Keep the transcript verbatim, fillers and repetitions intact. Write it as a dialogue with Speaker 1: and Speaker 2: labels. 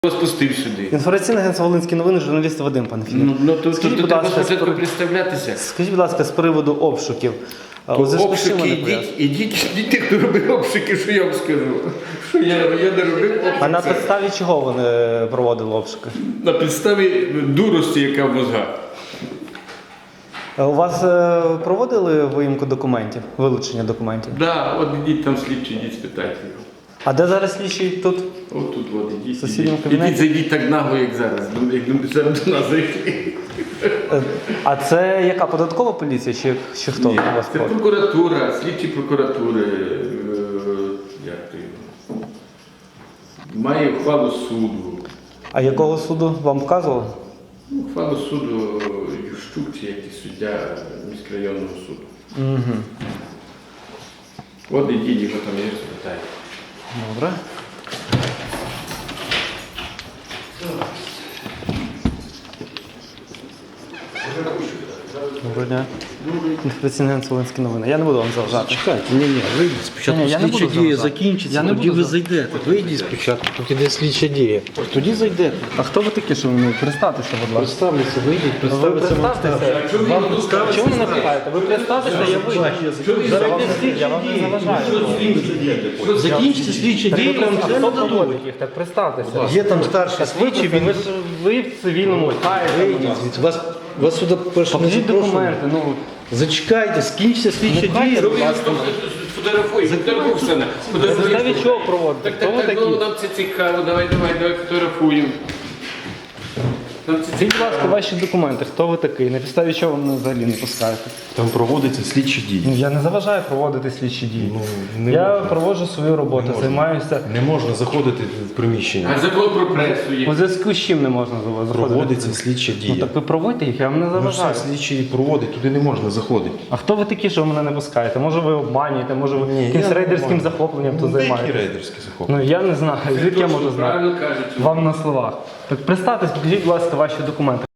Speaker 1: Спустив сюди.
Speaker 2: Інформаційне агентство «Волинські новини», журналіст Вадим Панфілів.
Speaker 1: Ну, ну то,
Speaker 2: Скажіть,
Speaker 1: то,
Speaker 2: будь
Speaker 1: треба
Speaker 2: ласка,
Speaker 1: спочатку
Speaker 2: спри-
Speaker 1: представлятися.
Speaker 2: Скажіть, будь ласка, з приводу обшуків.
Speaker 1: То
Speaker 2: У зв'язку з чим
Speaker 1: обшуки,
Speaker 2: вони
Speaker 1: ідіть, ідіть, ідіть, хто робив обшуки, що я вам скажу. Що я, я не робив обшуки.
Speaker 2: А на підставі чого вони проводили обшуки?
Speaker 1: На підставі дурості, яка в мозгах.
Speaker 2: У вас е, проводили виїмку документів, вилучення документів?
Speaker 1: Так, да, от ідіть там слідчі, ідіть спитайте його.
Speaker 2: А де зараз слідчий тут?
Speaker 1: От тут, от, ідіть,
Speaker 2: В сусідньому
Speaker 1: ідіть.
Speaker 2: кабінеті?
Speaker 1: Ідіть, зайдіть так нагло, як зараз. Ну, Як до- зараз до нас зайшли.
Speaker 2: Е, А це яка, податкова поліція чи, чи хто
Speaker 1: Ні,
Speaker 2: у вас?
Speaker 1: це
Speaker 2: ходить?
Speaker 1: прокуратура, слідчі прокуратури. е, Як то його? Має ухвалу суду.
Speaker 2: А якого суду вам вказували?
Speaker 1: Ну, Ухвалу суду Ющук, чи якийсь суддя міськрайонного суду.
Speaker 2: Угу.
Speaker 1: От ідіть, його там є, спитайте.
Speaker 2: Добре. Доброго дня. Інформаційне агентство «Волинські новини». Я не буду вам заважати.
Speaker 3: Чекайте, ні, ні, вийдіть спочатку,
Speaker 2: Ні, я не
Speaker 3: слідча
Speaker 2: буду
Speaker 3: дія
Speaker 2: заважати.
Speaker 3: закінчиться,
Speaker 2: Я не
Speaker 3: тоді
Speaker 2: буду
Speaker 3: ви зайдете. Вийдіть спочатку, поки йде слідча дія. Тоді зайдете.
Speaker 2: А хто ви такі, що ви не представтеся, будь ласка?
Speaker 3: Представляться, вийдіть,
Speaker 2: Ви
Speaker 3: представиться вам.
Speaker 2: представтеся. Чому ви не питаєте? Ви представтеся, я вийду.
Speaker 3: Зараз йде слідча
Speaker 2: Я вам не
Speaker 3: дія.
Speaker 2: заважаю.
Speaker 3: Закінчиться слідча дія, вам
Speaker 2: А
Speaker 3: все
Speaker 2: хто
Speaker 3: нададуть.
Speaker 2: проводить їх? Так представтеся.
Speaker 3: Є там старший слідчий,
Speaker 2: Ви,
Speaker 3: він
Speaker 2: ви, ж- ви в цивільному
Speaker 3: вийдіть звідси. Вас, вас сюди перше не
Speaker 2: Покажіть
Speaker 3: запрошували.
Speaker 2: документи. Ну,
Speaker 3: Зачекайте, скінчиться слідча дія.
Speaker 1: Фотографуй, фотографуй все.
Speaker 2: на підставі чого проводите?
Speaker 1: Так,
Speaker 2: Хто
Speaker 1: так,
Speaker 2: ви
Speaker 1: так,
Speaker 2: такі?
Speaker 1: ну, нам це цікаво, давай, давай, давай фотографуємо. Нам це
Speaker 2: Скажіть, будь ласка, ваші документи. Хто ви такий? На підставі чого ви мене взагалі не пускаєте?
Speaker 4: Там проводяться слідчі
Speaker 2: Ну,
Speaker 4: дії.
Speaker 2: я не заважаю проводити слідчі дії.
Speaker 4: Ну, не
Speaker 2: я
Speaker 4: можна.
Speaker 2: проводжу свою роботу,
Speaker 4: Не можна.
Speaker 2: займаюся.
Speaker 4: Не можна заходити в приміщення.
Speaker 1: А закон про пресу є.
Speaker 2: У зв'язку з чим не можна заходити?
Speaker 4: Проводиться слідча
Speaker 2: Ну
Speaker 4: дія.
Speaker 2: так ви проводьте їх, я вам не
Speaker 4: Ну
Speaker 2: заважаю.
Speaker 4: все, слідчі проводить, туди не можна заходити.
Speaker 2: А хто ви такі, що ви мене не пускаєте? Може ви обманюєте, може ви
Speaker 4: Ні,
Speaker 2: якимсь
Speaker 4: я не
Speaker 2: рейдерським
Speaker 4: обманюю.
Speaker 2: захопленням тут
Speaker 4: Ну, деякі
Speaker 2: займаєтесь?
Speaker 4: рейдерські захоплення.
Speaker 2: Ну я не знаю, звідки я можу знати?
Speaker 1: Правильно кажуть.
Speaker 2: Вам на словах. Так представтесь, покажіть, будь ласка, ваші документи.